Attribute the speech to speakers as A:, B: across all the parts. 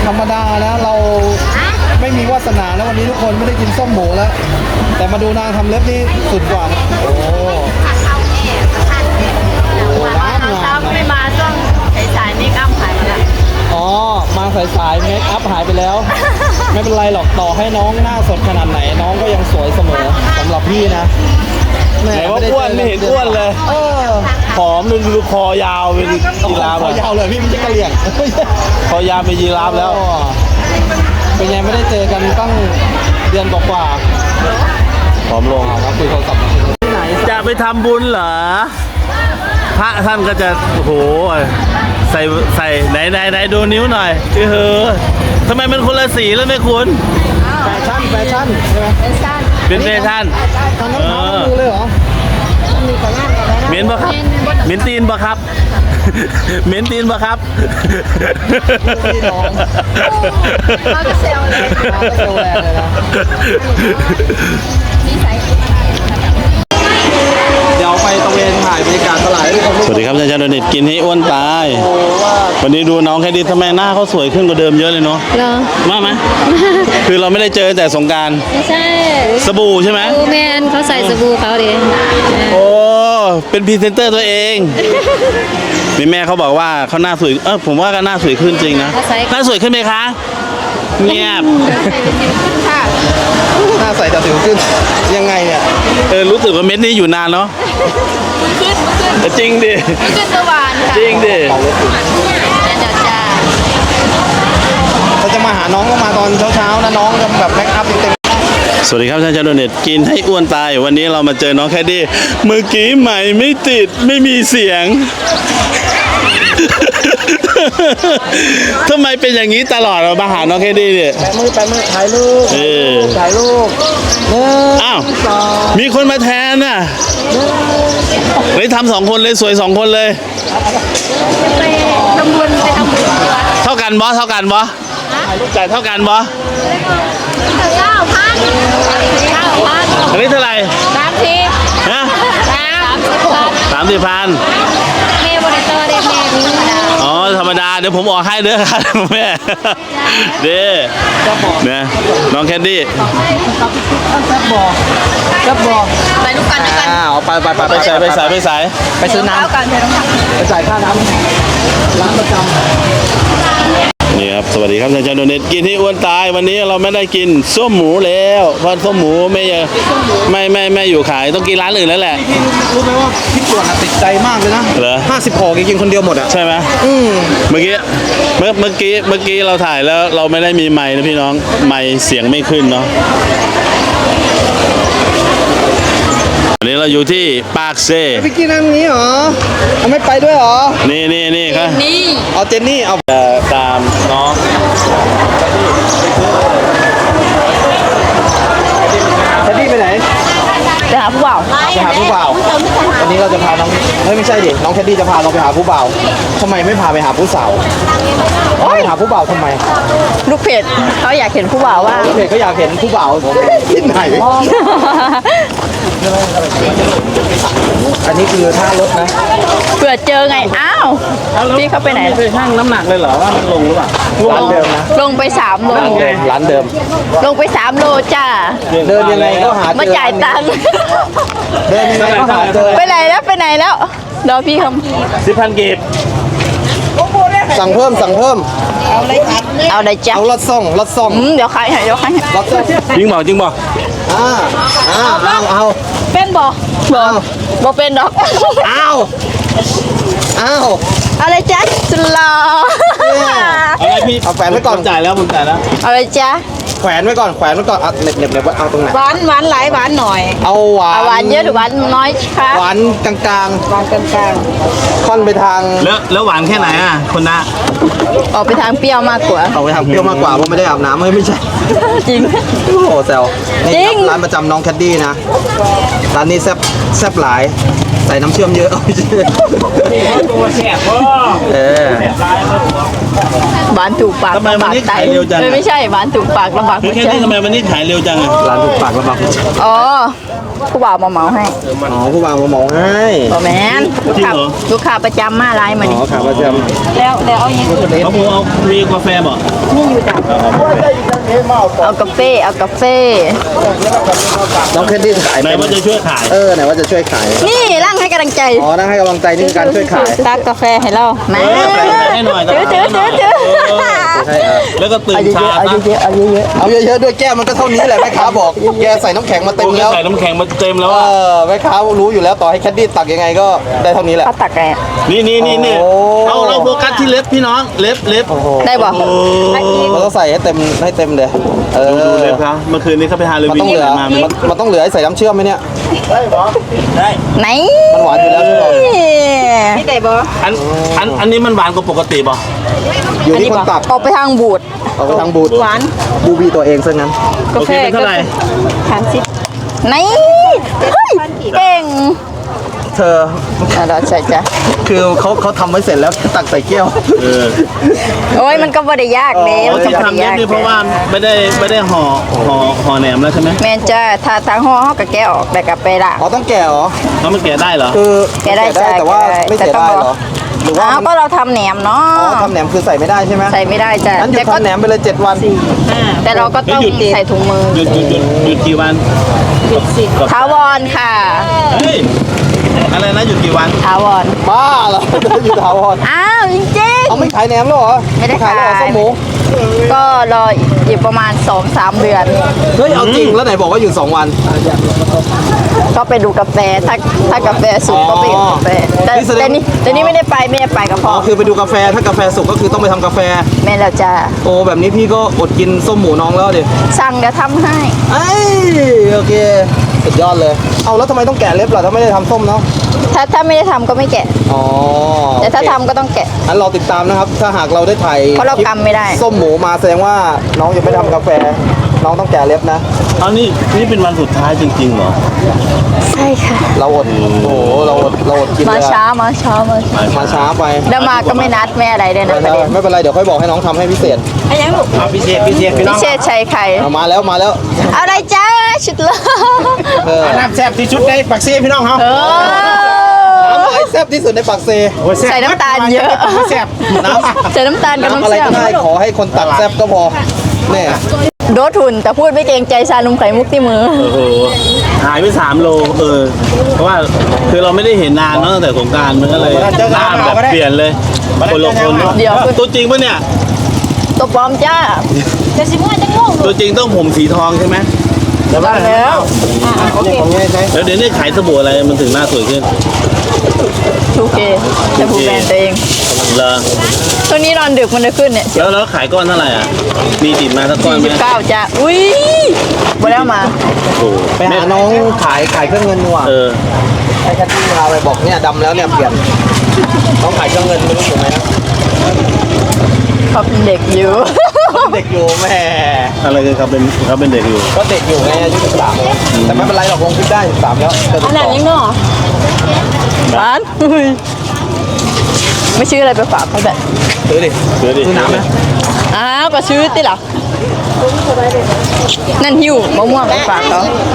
A: ธรรมดานะเราไม่มีวาสนาแล้ววันนี้ทุกคนไม่ได้กินส้มหมูแล้วแต่มาดูนางทำเล็บนี่สุดกว่านะโอ้
B: เราไม่มาช่วงสายๆนี่อ้ำหายไปแล้ว
A: อ๋อมาสายเมคอัพหายไปแล้วไม่เป็นไรหรอกต่อให้น้องหน้าสดขนาดไหนน้องก็ยังสวยเสมอสำหรับพี่นะ
C: ไหนว่าอ้วนไม่เห็นอ้วนเลยผอมดูคอยาวเป็นยีราฟ
A: คอยาวเลยพี่ไม่ใช่กระเหลี่ยง
C: คอยาวเป็นยีราฟแล้ว
A: เป็นไงไม่ได้เจอกันตั้งเดือนกว่า
C: ผอมลง
A: ครับคุยโทรศัพท์ที่ไหน
C: จะไปทำบุญเหรอพระท่านก็จะโอ้โหใส่ไหนดูนิ้วหน่อยทำไมมันคนละสีแล้วไม่คุ้น
A: แฟชั่นใช่ไหม
C: เป็นแฟชั่น
A: ทำน้ำเท้ามือเลยเหรอ
C: เหม็นปะครับเหม็นตีนปะครับเหม็นตีนปะครับ
B: เขาจะเซลเลย
A: เขาจะเซลแรงเลยนะเดี๋ยวไปตะเวนถ่ายบรรยากาศตลาดให้ทุกคน
C: สวัสดีครับอาจารย์โดนิตกินให้อ้วนตายวันนี้ดูน้องแค่ดีทำไมหน้าเขาสวยขึ้นกว่าเดิมเยอะเลยเนาะมาไหมคือเราไม่ได้เจอแต่สงกรานต์
B: ไม่ใช่
C: สบู่ใช่ไหม
B: แมนเขาใส่สบู่เขาดิ
C: โอ้เป็นพรีเซนเตอร์ตัวเองมีแม่เขาบอกว่าเขาหน้าสวยผมว่าก็หน้าสวยขึ้นจริงนะหน้าสวยขึ้นไหมคะเงียบ
A: หน้าใสแต่สิวขึ้นยังไงเนี่ย
C: รู้สึกว่าเม็ดนี้อยู่นานเนาะ
B: ขึ้น
C: จริงดิ
B: ขึ้นสว่านค่ะ
C: จริงดิ
A: เขาจะมาหาน้องก็มาตอนเช้านะน้องจะแบบแม็กอัพเต็ม
C: สวัสดีครับท่านอาจารย์โดเนตกินให้อ้วนตายวันนี้เรามาเจอน้องแคดดี้เมื่อกี้ใหม่ไม่ติดไม่มีเสียงทำไมเป็นอย่างนี้ตลอดเรามาหาน้องแคดดี้เนี่ย
A: แปะมือถ่ายรูป
C: อ้าวมีคนมาแทนน่ะเลยทำ2 คนเลยสวย2 คนเลย
B: ไปทำบุญ
C: เท่ากันบอจ่ายเท่ากันบอ
B: 9,000
C: อันนี้เท่าไหร่
B: 30
C: ฮะ30,000
B: แม่บริโภคได้แม่นี้
C: ธรรมดาเดี๋ยวผมออกให้เด้อครับแม่เด้เนี่ยน้องแคดดี้
A: จับบอก
B: ไปลูกกัน
A: ไป
C: ใส่ไป
A: ซื้อน้ำไปจ่ายค่าน้ำร้านประจำ
C: นี่ครับสวัสดีครับอาจารย์โดเนตกินที่อ้วนตายวันนี้เราไม่ได้กินส้มหมูแล้วเพราะส้มหมูไม่อยู่ขายต้องกินร้านอื่นแล้วแหละ
A: รู้ไหมว่าพี่ปวดติดใจมากเลยนะ
C: เหรอ
A: 50 ห่อกินคนเดียวหมดอ่ะ
C: ใช่ไหมเมื่อกี้เราถ่ายแล้วเราไม่ได้มีไมค์นะพี่น้องไมค์เสียงไม่ขึ้นเนาะวันนี้เราอยู่ที่ปากเซ่
A: พี่กินอันนี้เหรอเขาไม่ไปด้วยเหรอ
C: นี่ครับ
A: เอาเจนนี่เอา
C: ตามน้อง
A: เจนนี่ไปไหน
B: ไปหาผู้บ่าว
A: วันนี้เราจะพาน้องไม่ใช่ดิน้องแคดดี้จะพาเราไปหาผู้บ่าวทำไมไม่พาไปหาผู้สาวไปหาผู้บ่าวทำไม
B: ลูกเพจเขาอยากเห็นผู้บ่าวว่า
A: ลูกเพจก็อยากเห็นผู้บ่าวที่ไหนอันนี้คือท่ารถนะ
B: เผื่อเจอไงอ้าวพี่เขาไปไหน
C: ไปชั่งน้ำหนักเลยเหรอว่ามันลงหรือเปล่า
A: ร้านเดิมนะ
B: ลงไป3 โล
A: ร้านเดิม
B: ลงไป3 โลจ้า
A: เดินยังไงก็หา
B: มาจ่ายตังค์
A: เดินยังไงก็หาเจอ
B: ไปไหนแล้วรอพี่ค
C: ำ10,000 กีบ
A: สั่งเพิ่ม
B: เอาอะไรจ้ะ
A: เอารถส่ง
B: เดี๋ยวขายให้
A: รถส่ง
C: จริงบอก
A: เอา
B: เป็นบอกเป็นดอกอะไรจ๊ะสุดหล่อ
C: อะไรพี่
A: เอาแขวนไว้ก่อน
C: จ่ายแล้วผมจ่ายแล้ว
B: อะไรจ๊ะ
A: แขวนไว้ก่อนเน็บเอาตรงไหน
B: หวานหลายหวานหน่อย
A: เอาหวาน
B: เยอะหรือหวานน้อยคะ
A: หวานกลางค่อนไปทาง
C: แล้วหวานแค่ไหนอ่ะคุณนะ
B: ออกไปทางเปรี้ยวมากกว่า
A: ออกไปทางเปรี้ยวมากกว่าเพราะไม่ได้อาบน้ำไม่ใช่
B: จริง
A: โอ้โหแซวนี่ร้านประจำน้องแคดดี้นะร้านนี้แซ่บหลายใส่น้ำเชื่อมเยอะ
C: ตัวแซ่บ
B: หวานถูกปาก
C: ทำไมวันนี้ขายเร็วจัง
B: ไม่ใช่หวานถูกปากลำบาก
C: แค่นี้ทำไมวันนี้ขายเร็วจัง
A: ร้านถูกปากลำบาก
B: อ๋อผู้บ่าวมาเหมาให้
A: อ๋อผู้บ่าวมาหมองให้
B: บ่แม่นลูกค้าประจำมาหลายมา
A: อ๋
B: นี่
A: อขาประจ
B: แล้วเอาอย่าง
C: เขาพูเอามีกาแฟบอก
B: นี่อยู่จ้ะเอากาแฟ
A: ำน้องแคนดี้ขาย
C: ไหนว่าจะช่วยขาย
A: ไหนว่าจะช่วยขาย
B: นี่ร่างให้กำลังใจ
A: อ๋อนั่งให้กำลังใจนี่คือการช่วยขาย
B: ตักกาแฟให้เราแม่
C: ให้หน่อย
B: ถือ
A: ใช่ครับ
C: แล้วก็ตื่นเช้า
B: เอา
C: นะ
B: เยอะๆเอาเยอะ
A: เอาเยอะๆด้วยแก้วมันก็เท่านี้แหละแม่ค้าบอกแกใส่น้ำแข็งมาเต็ม
C: โอ้ย
A: แล้ว
C: ใส่น้ำแข็งมาเต็มแล้ว
A: แม่ค้ารู้อยู่แล้วต่อให้แคดดี้ตักยังไงก็ได้เท่านี้
B: ๆ
A: แหละ
B: เอาตักไง
C: นี่
A: โอ้
C: เราโฟกัสที่เล็บพี่น้องเล็บ
B: ได้บ่
C: โอ้
A: เราต้องใส่ให้เต็มเลย
C: ดูเล็บครับเมื่อคืนนี้เขาไปฮาโล
A: มัน
C: วีน
A: ต้องเหลือ
C: มา
A: มันต้องเหลือให้ใส่น้ำเชื่อมไหมเนี่ย
B: ไหน
A: มันหวานอยู่แล้วใช่ไหม
B: นี่ได้บ่
C: อันนี้มันหวานกว่าปกติป่ะ
A: อยู่ที่คนตัก
B: ออกไปทางบูด
A: เอาไปทางบูด
B: หวาน
A: บูบีตัวเองซะงั้น
C: โอเคเป็นเท่าไหร่
B: ไหนเฮ้ยเก่ง
A: เธอ
B: เราใช่จ้ะ
A: คือเขาทำไว้เสร็จแล้วแค่ตักใส่แก้ว
B: โอ้ยมันก็บ่ได้ยากเด้
C: เรา
B: มันก็
C: ที่
B: บ่ได้
C: ทำเล็บ
B: ยาก
C: นี่เพราะว่าไม่ได้ห่อแหนมแล้วใช่ไหม
B: แม่นจ้ะถ้าทางห่อเฮาก็แกะออกแต่ก็ไปละ
A: อ๋อต้องแก่เหรอ
C: แล้วมันแกะได้เหรอ
A: คือ
B: แกะได้จ้ะ
A: แต่ว่าไม่เสีย
B: แต่ต้
A: ได้
B: อง
A: เหรอหรือว่า
B: อ้าว
A: มัน
B: ก็เราทำแหนมเนาะ
A: อ๋อทำแหนมคือใส่ไม่ได้ใช่ไหม
B: ใส่ไม่ได้จ้ะ
A: งั้นหยุด
B: แต่ก็
A: ทำแหนมไปเลย7 วัน
B: แต่เราก็ต้องใส่ถุงมือ
C: หยุดกี่วันกับ
B: ถาวรค่ะ
C: เฮ้ยอะไรนะหยุดกี่วัน
B: ถาวร
A: บ้าเหรออยู่ถาวร
B: อ้าวจริง
A: เอาไม่ขายแหนมแล้วเหรอ
B: ไม่ได้
A: แล้วเหรอ
B: ขาย
A: ส้มหมู
B: ๆก็รออีกประมาณ 2-3 เดือน
A: เฮ้ยเอาจริงแล้วไหนบอกว่าอยู่2 วัน
B: ก็ไปดูกาแฟถ้ากาแฟสุกก็ไปดูกาแฟแต่
A: นี่แสดง
B: แต่นี่ไม่ได้ไปกับพ่
A: อ๋
B: อ
A: อคือไปดูกาแฟถ้ากาแฟสุกก็คือต้องไปทำกาแฟ
B: แม่แล้วจ้า
A: โอ้แบบนี้พี่ก็อดกินส้มหมูน้องแล้วดิ
B: สั่งเดี๋ยวทำให้
A: ไอ้โอเคสุดยอดเลยเอาแล้วทำไมต้องแกะเล็บล่ะถ้าไม่ได้ทำส้มเนาะ
B: ถ้าไม่ได้ทำก็ไม่แกะ
A: อ๋อ
B: แต่ถ้า
A: โอเค
B: ทำก็ต้องแกะ
A: งั้นเราติดตามนะครับ ถ้าหากเราได้ถ่าย
B: เพราะเรา
A: คลิป
B: กำไม่ได้
A: ส้มหมูมาแสดงว่าน้องยังไม่ทำกาแฟ น้องต้องแกะเล็บนะ
C: เอานี่เป็นวันสุดท้ายจริงๆเหรอ
B: ใช่ค่ะ
A: เราอดโอ้โหเราอดกิน
B: มา
A: เลยอะ
B: ช้า
A: มาช้าไป
B: แล้วมาก็ไม่นัดแม่อะไรเลยนะประเด็น
A: ไม่เป็นไรเดี๋ยวค่อยบอกให้น้องทำให้พิเศษ
B: ไอ้ยังลูก
A: พิเศษพี่
B: พิ
A: น้อง
B: เศษชัยไข่
A: เอามาแล้ว
B: เอาอะไรจ้าชุดละ
A: เออ
D: น้ำแซ่บที่ชุดในปักซี่พี่น้องเขา
A: น้ำไอแซ่บที่สุดในปากเซ
B: ใส่น้ำตาลเยอะ
D: แซ่บ
A: น้ำ
B: ใส่น้ำตาลกับ
A: น้ำ
B: น้ำ
A: อะไร
B: เชื่อ
A: ก็
B: ม
A: ได้ขอให้คนตักแซ่บก็พอเนี่ย
B: โดดทุนแต่พูดไม่เกรงใจชาลุมไข่มุกที่มือ
C: โอ้โหหายไป3 โลเพราะว่าคือเราไม่ได้เห็นนานเนอะตั้งแต่สงกรารมันก็เลยหน้าแบบเปลี่ยนเลยคนละคนเนอะ
B: เดี๋ยว
C: ตัวจริงปะเนี่ย
B: ตัวปลอมจ้าจะสิมั่วจะงง
C: ตัวจริงต้องผมสีทองใช่ไหม
B: แล้วแล้ว
A: ของไงใช่
C: แล้วเดี๋ยวนี้ขายสบู่อะไรมันถึงหน้าสวยขึ้น
B: ทูเคจะพูดแบรนด์ตัวเอง
C: เหรอ
B: ช่วงนี้นอนดึกมันจะขึ้นเนี่ย
C: แล้วขายก้อนเท่าไหร่อ่ะมีติดมาสักก้อนไหม
B: 49จ้าอุ้ยบ่แล้วมา
C: โอ้โห
A: ไปหาน้องขายเครื่องเงินดีกว่า ให้แคทตี้พาไปบอกเนี่ยดำแล้วเนี่ยเปลี่ยนน้องขายเครื่องเงินไม่รู้ถูกไหมนะ
B: เขาเป็นเด็กอยู่
A: เด็กอยู่แม่
C: อะไรกันเขาเป็นเด็กอยู่
A: ก็เด็กอยู่ไงอายุ13เลยแต่ไม่เป็นไรหรอกลงคลิปได้13แล้วจะติดต่อ
B: ร้านอุ้ยไม่ชื่ออะไรไปฝากเขาแบบ
A: ซื้อดิ
C: ซื้อดิ
A: ซื้อน้ำไหม
B: อ้าวก็ซื้อติหรอนั่นหิวมะม่วงไปฝากเขา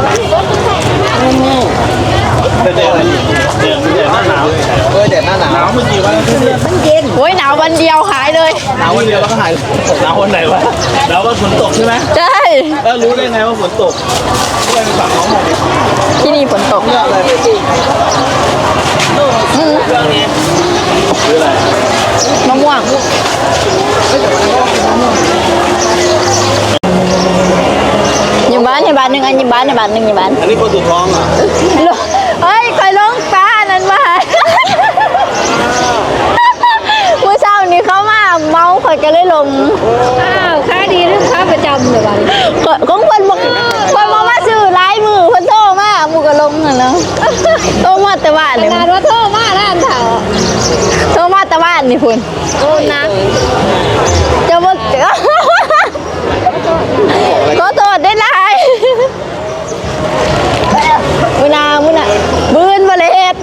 C: เด็กหน้าหนาว
A: เด็ดหน้าหนาว
C: หนาวเมื่อกี่วันแล้วเนี่ย
B: โอ้ยหนาววันเดียวหายเลย
A: หนาววันเดียวแล้วก็หาย
C: หนาววันไหนวะหนาววันฝนตกใช่ไหม
B: ใช่
C: แล้วรู้ได้ไงว่าฝนตก
B: ที่นี่ฝนตก
A: เยอะเลย
C: ซื้ออะไร
B: มะม่วงยิมบ้านหนึ่งอันยิมบ้านหนึ่งยิมบ้าน
C: อันนี้คนสุดท้องอ่ะ
B: เฮ้ยคอยลงป้านั่นมาเมื่อเช้านี้เขามาเมาคอยก็เลยลงอ้าวค่าดีหรือค่าประจำเดี๋ยววันของคนบอกคนมาซื้อร้ายมือคนโทรมาหมูก็ลงน่ะเนาะโทรมาแต่บ้านเลยนานว่าโทรมาแล้วอันเถาโทรมาแต่บ้านนี่คุณโอ้นะจะบอกขอโทษได้ไรมุนาบืนมาเลยเฮ็ด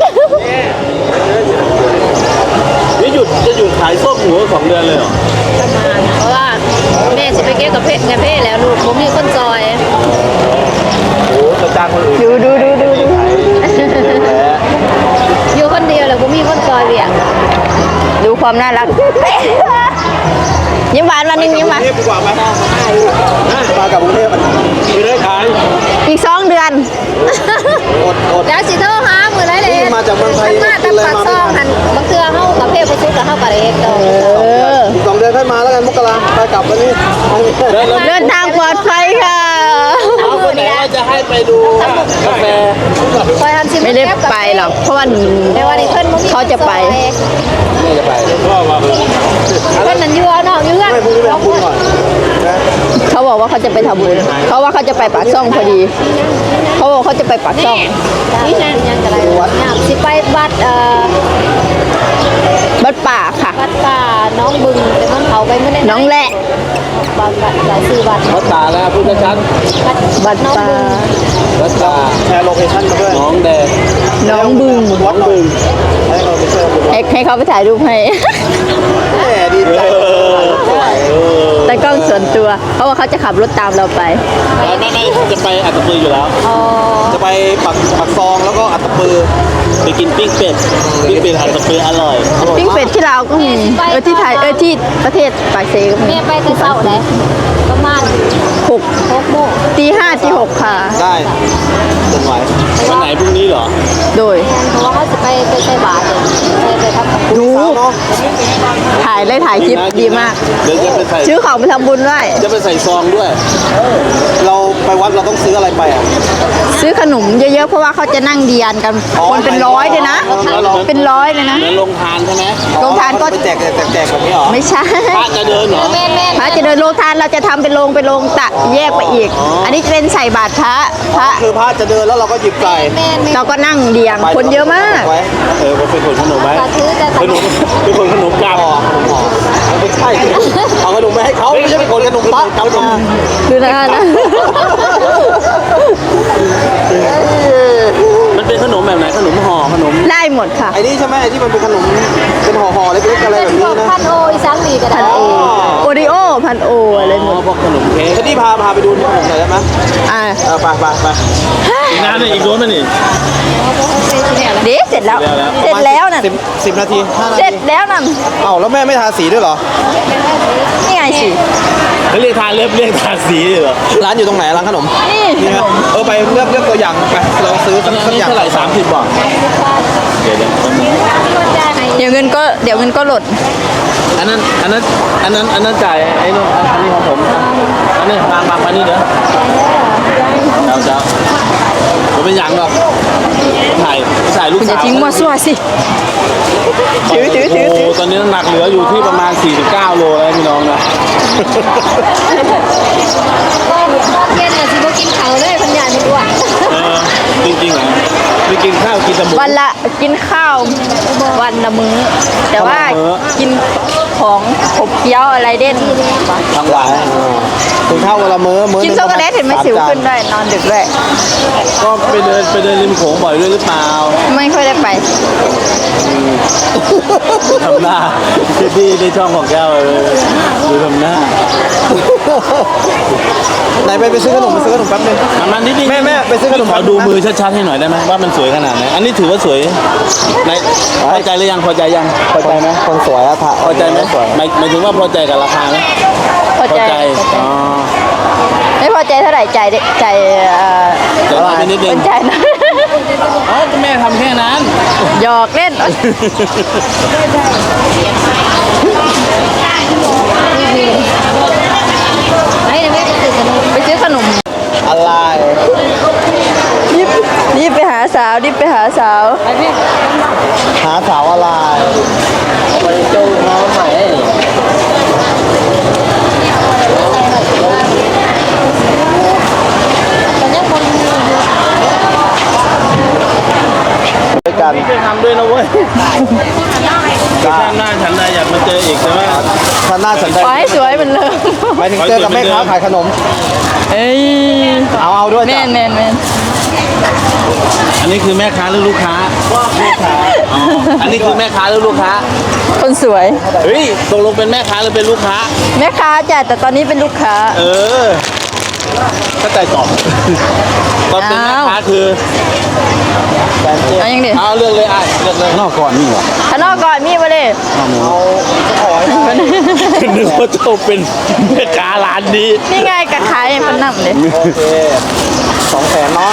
C: นี่จะหยุดขายส้มหมู2 เดือนเลยเหรอ
E: เพราะว่าแม่จะไปเก็บกับเพ่แล้วลูกผมมีคนจอย
A: โอ้จะจ้างคนอื่น
B: ดูความน่ารัก ยิ้มหวานวันหนึงยิ้มหวาน
A: กรุงเทพดีกว่าไหมมากับกรุงเทพไม่ได้ขาย
B: อีก2 เดือน
A: อด
E: แล้วสิโทรหามื้อไรเลย
A: นี่มาจากเมืองไทย
E: มาแต่ปากซองหันบางเทื่อเฮากับเพศบ่สุดแล้วเฮาก็ได้เฮ็ดต่อ
A: อีก2 เดือนค่อยมาแล้วกันมกราไปกลับวันนี้
B: เดินทางปลอดภัยค่ะ
C: เอาคนไหนว่าจะให้ไปดูกาแฟ
E: คอยทำสิ
B: ไม่ได้ไปหรอกเพราะว่า
E: แต่ว่านี่เพิ่นบ่มี
B: เขาจะไป
A: ไม่จะไป
C: ก็มา
E: เพิ่นนั่นอยู่เอาน้องอยู่เฮือน
A: ไม่พรุ่งนี้ไปทำบุญก่อนนะ
B: เขาบอกว่าเขาจะไปทำบุญเขาว่าเขาจะไปปากช่องพอดี เขาบอกเขาจะไปปากช่อง
E: นี่นั่นยังก็ได้ยามสิไปวัด
B: บัดป่าค่ะ
E: วัดป่าน้องบึงแต่มันเขาไปมื้อนี้
B: น้องแหละ
E: วัดหลายชื่อวัด
C: วัดตาแล้วพูดชัด
B: บัด
E: น้อง
B: ป่า
E: บึง
C: วัดตา
A: แชร์โลเคชั่นมาด้วย
C: น้องแดง
B: น้องบึง
A: วัดหนึ่งให้เราไปเชิญ
B: ให้เขาไปถ่ายรูปให้
A: แหมดีใจ
B: แต่กล้องส่วนตัว เพราะว่าเขาจะขับรถตามเราไป
C: ไม่จะไปอัตตปืออยู่แล้ว
E: อ๋อ
A: จะไปปักซองแล้วก็อัตตปือ
C: ไปกินปิ้งเป็ดอัตตปืออร่อย
B: ปิ้งเป็ดที่ลาวก็มีที่ไทยที่ประเทศปากเซก็มี
E: แม่ไปแต่เช้าได้ประมาณ
B: 6
E: โมง
B: ตี 5 ตี 6 ค่ะ
A: ได้จนไหว
C: วันไหนพรุ่งนี้เหรอ
B: โดย
E: เพราะว่าเขาจะไปใส่บาตรไปทำกับ
B: ดู
A: สาวเนาะ
B: ถ่ายคลิปดีมาก
C: เดี๋ยวจะไปใส่
B: ซื้อของไปทำบุญด้วย
C: จะไปใส่ซองด้วย
A: เราไปวัดเราต้องซื้ออะไรไปอ่ะ
B: ซื้อขนมเยอะๆ เพราะว่าเขาจะนั่งเดียนกัน
A: อ๋อ
B: คนเป็นร้อยเลยนะ เป็นร้อยเลยนะ
C: เหมือนลงทานใช่ไหม
B: โรงทานก็
A: ไปแจกแบบนี้เหรอ
B: ไม่ใช่
C: พระจะเดินเหรอ
E: แม่แม่
B: พระจะเดินโรงทานเราจะทำเป็นโรงตะแยกไปอีก อันนี้จะเป็นใส่บาตรพระ
A: คือพระจะเดินแล้วเราก็หยิบไก่
E: แม่
B: เราก็นั่งเดียง คนเยอะมาก
A: ไว้
C: เป็นคนขนมไหม
E: ก็ถือจะ
C: เป็นคนขนมกลับ
A: ไม่ใช่เอาขนมไปให้เขาไม่ใช่เป็นคนขนมปังขนม
B: ดูนะนะ
C: มันเป็นขนมแบบไหนขนมห่อขนม
B: ได้หมดค่ะ
A: ไอ้นี่ใช่ไหมไอ้ที่มันเป็นขนมเป็นห่อๆเล็กๆอะไรแบบ
E: พ
A: นี้
E: วก
A: นะ
E: พันโออีสังมีก็ได้
B: โอริโอพันโออะไรหมด
C: พวกขนมเค้ก
A: ที่พาไปดูขนมหน่อยได้ไหม
B: อ่า
A: ไป
C: อีกนานเลยอีกโดนไหมนี่
B: เดี๋ยวเสร็จแล้ว เสร็จแล้วน่ะ
A: 10 นาที5 นา
B: เสร็
A: ที
B: จแล้วน่ะ
A: เอ้าแล้วแม่ไม่ทาสีด้วยเหรอ
B: นี่ไงสิ
C: เขาเรียกทาเล็บเรียกทาสีเหรอ
A: ร้านอยู่ตรงไหนร้านขนม
B: นี่
A: นี่นะไปเลือกตัวอย่างไปเราซื้อสัก
C: อันนี้
A: อย่าง
C: เท่าไหร่30 บาทเดี๋ยว
B: เดี๋ยวเงินก็หล่น
C: อันนั้นจ่ายไอ้นู่นอันนี้ของผมอันนี้มานี่เด้อเจ้าผมเป็นอย่างหรอกถ่ายลูก
B: คุณอ
C: สา
B: ย่าว ทิ้งมั่วซั่วสิ ถือ
C: โอ้ตอนนี้น้ำหนักเหลืออยู่ที่ประมาณ49 โลแล้วพี่น้องนะ
E: เย็นน่ะสิบ่กินข้าวเลยพันยานอ้วน
C: จริงๆเหรอไม่กินข้าวกินแต่หมู
B: วันละกินข้าววันละมื้อ แต่ว่ากินของขบเคี้ยวอะไรเด่น
C: ทั้งวัน
A: ถึงเท่าวันละมื้อ
B: กินช็อกโกแลตเห็นไหมสิวขึ้นด้วยนอนดึกด้วย
C: ก็ไปเดินริมโขงบ่อยด้วยหรือเปล่า
B: ไม่ค่อยได้ไป
C: ทำหน้าที่ในช่องของแก้วเลยดูทำหน้า
A: ไหนไปซื้อขนมแป๊บนึง
C: มันนิดนึง
A: แม่ไปซื้อขนม
C: ขอดูมือชัดๆให้หน่อยได้ไหมว่ามันสวยขนาดไหนอันนี้ถือว่าสวยในพอใจหรือยังพอใจยังพอใจไหม
A: คนสวยอะค่ะ
C: พอใจไหมหมายถึงว่าพอใจกับราคาไหม
B: พอใจ
C: อ๋อ
B: ไม่พอใจเท่าไหร่ใจใจ
C: เดี๋ยวนิดนึ
B: เป็
C: ง
B: นใจนะ
C: อ๋อแม่ทำแค่นั้น
B: หยอกเล่น
E: ไหนแม่ตื่นกัน
B: ไปซื้อขนม
A: อะไร
B: รีบไปหาสาว
E: ไปแม่
A: หาสาวอะไรไปจูงน้องใหม่
E: ตอนนี้คน
A: ด้วยกัน
C: พี่ไปทำด้วยนะเว้ยชาติหน้าฉันได้อยากมาเจออีกใช่ไหม
A: ท่านหน้าสนใจ
B: ขอให้สวยเหมือนเดิม
A: หมายถึงเจอกับแม่ค้าขายขนม
B: เอ้ย
A: เอาด้วย
B: แม
A: จ้ะ
B: น
C: อันนี้คือแม่ค้าหรือลูกค้าอ๋ออันนี้คือแม่ค้าหรือลูกค้า
B: คนสวย
C: เฮ้ยตกลงเป็นแม่ค้าหรือเป็นลูกค้า
B: แม่ค้าจ้ะแต่ตอนนี้เป็นลูกค้า
C: เออเข้าใจตอบตอนเป็นแม่ค้าคือแสนเจ็ด
B: เอายังดิ
C: เอาเลือกเลยไอ้เลือกเลย
A: นอกก่อนนี่เหรอ
B: ข้างนอกก่อนมีมาเลย
C: นึกว่าเจ้าเป็นแม่ค้าร้านนี้
B: นี่ไงกระขายมันนั่งเลย
A: โอเค200,000เนาะ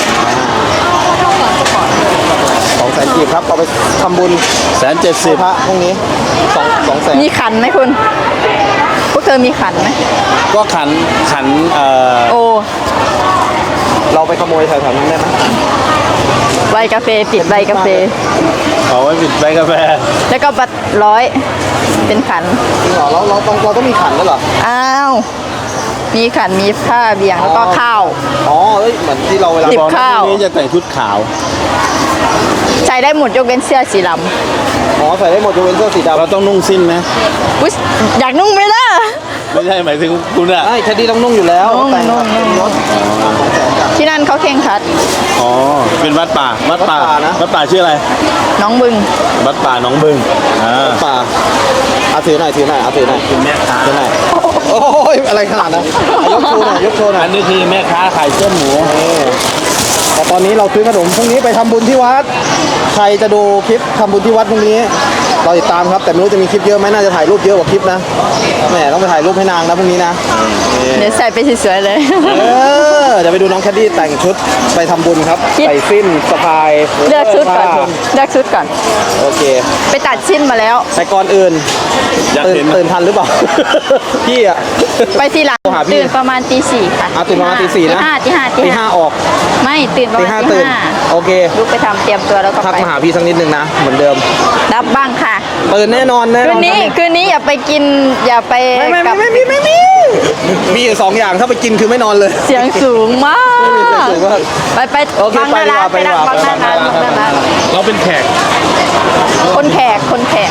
A: 200,000กีบครับเอาไปทำบุญ
C: 170
A: พระพรุ่งนี้200,000
B: มีขันไหมคุณ พวกเธอมีขันไหม
C: ก็ขัน
B: โอ้
A: เราไปขโมยแถวๆนั้นได้ไหม
B: ใบกาแฟติดใบกาแฟ
C: เอาไว้ปิดใบกาแฟ
B: แล้วก็บัตร100เป็นขัน
A: จริงเหรอเราต้องมีขันแล้วเหรอ
B: อ้าว มีขัน มีผ้าเบี่ยงแล้วก็ข้าว
A: อ๋อเอ้ยเหมือนที่เราเวลา
B: ติด
C: บอกนะ
B: ข้าว
C: พรุ่งนี้จะแต่งชุดขาว
B: ใช้ได้หมดยกเว้นเสื้อสีด
A: อ๋อใส่ได้หมดยกเว้นเสื้อสีดำ
C: เราต้องนุ่งสิ้นนะ
B: ำอุ๊ยอยากนุ่งไหมล่ะ
C: ไม่ใช่หมายถึงคุณอะ
A: ใช่แคดดี้ต้องนุ่งอยู่แล้ว
B: นุ่ง
A: แต่ง
B: นุ่ง
A: รถ200,000จ้ะ
B: ที่นั่นเขาเข่งครัด
C: อ๋อเป็นวัดป่าวัดป่า
A: วัดป่านะ
C: วัดป่าชื่ออะไร
B: น้องบึง
C: วัดป่าหนองบึง
A: ป่าเอาถือหน่อยเอาถือหน่อย
C: เป็นแม่ค้า
A: ถือหน่อยโอ้ยอะไรขนาดนั้นยกโชว์หน่อย
C: อันนี้คือแม่ค้าขายเส้นหมู
A: แต่ตอนนี้เราซื้อขนมพรุ่งนี้ไปทำบุญที่วัดใครจะดูคลิปทำบุญที่วัดพรุ่งนี้เราติดตามครับแต่ไม่รู้จะมีคลิปเยอะไหมน่าจะถ่ายรูปเยอะกว่าคลิปนะแหมต้องไปถ่ายรูปให้นางนะพรุ่งนี้นะ
B: เดี๋ยวใส่ไปสวยๆเลย
A: เดี๋ยวไปดูน้องแคดดี้แต่งชุดไปทำบุญครับ
B: คิด
A: ใส่สิ้นสะพาย
B: เลือกชุดก่อน
A: ผ้า
B: เลือกชุดก่อน
A: โอเค
B: ไปตัดชิ้นมาแล้ว
A: แต่ก่อนอื่น
C: อยาก
A: ตื่น
C: เห็น
A: ตื่นทันหรือเปล่า พี่อะ
B: ไปทีหลัง
A: โทรหาพี่
B: ตื่นประมาณตี 4ค่ะ
A: ตื่นประมาณตี 4นะ
B: ตีห้า
A: ตีห้าออก
B: ไม่ตื่นประ
A: ตี
B: มาณ
A: ห้า
B: ตี
A: ตื่น
B: ห้า
A: โอเค
B: ลุกไปทำเตรียมตัวแล้วก็
A: ทัก
B: ไป
A: มาหาพี่สักนิดนึงนะเหมือนเดิม
B: รับบ้างค่ะ
A: ตื่นแน่นอนแน่น
B: คื
A: อน
B: นนี้อย่าไปกินอย่าไป
A: ไม่
B: กับ
A: มีอยู่2อย่างถ้าไปกินคือไม่นอนเลย
B: เสียงสูงมาก
A: เสียงสูงมาก
B: ไป
A: โอเค
B: ฟังหน้าร้าน
A: ไป
B: ไป
A: ดี
B: นั่ง
A: กว่า
B: ฟังหน้าร้าน
A: ไป
B: ฟังหน้าร้าน
C: เราเป็นแขก
B: คนแขก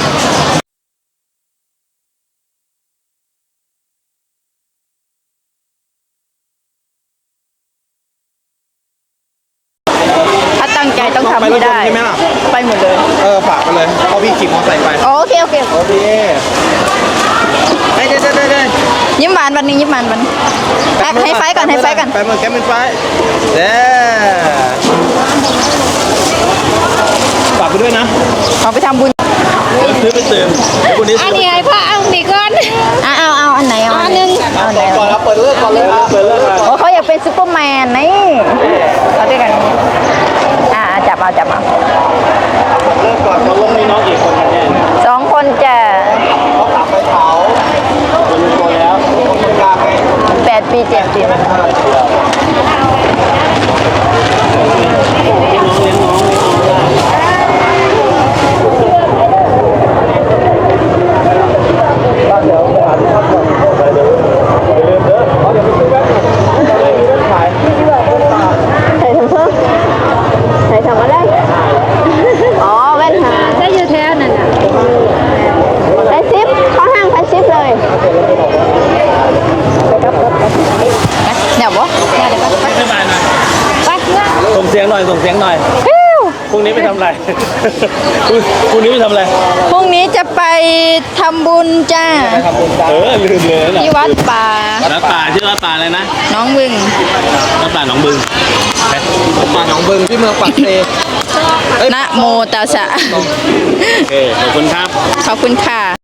B: ถ้าตั้งใจต้องทำให้ได้
A: ไปรถยนต์ใช่ไหมล่ะ
B: ไปหมดเลย
A: ฝากไปเลยเพราะพี่ขี่มอเตอร์ไซค์ไป
B: โอเค
A: โอเคเด้
B: ยิ้มหวานวันนี้ยิ้มหวานวันให้ไฟก่อน
A: แป๊บนึงแป๊บนึงไฟเด้ฝากไปด้วยนะ
B: เอาไปทำบุญ
C: ซื้อไปเติมวันนี้
E: อันนี้ไอ้พ่อเอาดีก่อน
B: เอาอันไหนเอาอันหนึ่งเอาอันไหน
A: ก่อนครับเปิดเลิกก่อนเลยครับเปิดเลิก
B: โอ้เขาอยากเป็นซูเปอร์แมนนี่เอาด้วยกันจับเอา
A: เลิกก่อนเขาลงมีน้องกี่คนกันเนี่ย
B: 2 คนจะ
A: เขากลับไปเผาเป็นตัวแล้วคนกลางไง
B: 8 ปี 7 ปีใส่ทำอะไรอ๋อแว่นหา
E: ได้อยู่แถวนั่นน่ะ
B: ไปซิปเข้าห้างไปซิปเลยเดี๋ยวบ่
C: ไม่มานะ
B: ไปเพื่อน
C: ส่งเสียงหน่อยพรุ่งนี้ไปทำอะไร พรุ่งนี้ไปทำอะไร
B: พรุ่งนี้จะไปทำบุญจ้า
C: ลืมเลยนะ
B: ที่วัดป่า
C: วัดป่าชื่อวัดป่าอะไรนะ
B: น้องบึง
C: วัดป่าหนองบึง
A: ป่าหนองบึงที่เมืองปักเซ
B: นะโมตัสสะ
C: โอเคขอบคุณครับ
B: ขอบคุณค่ะ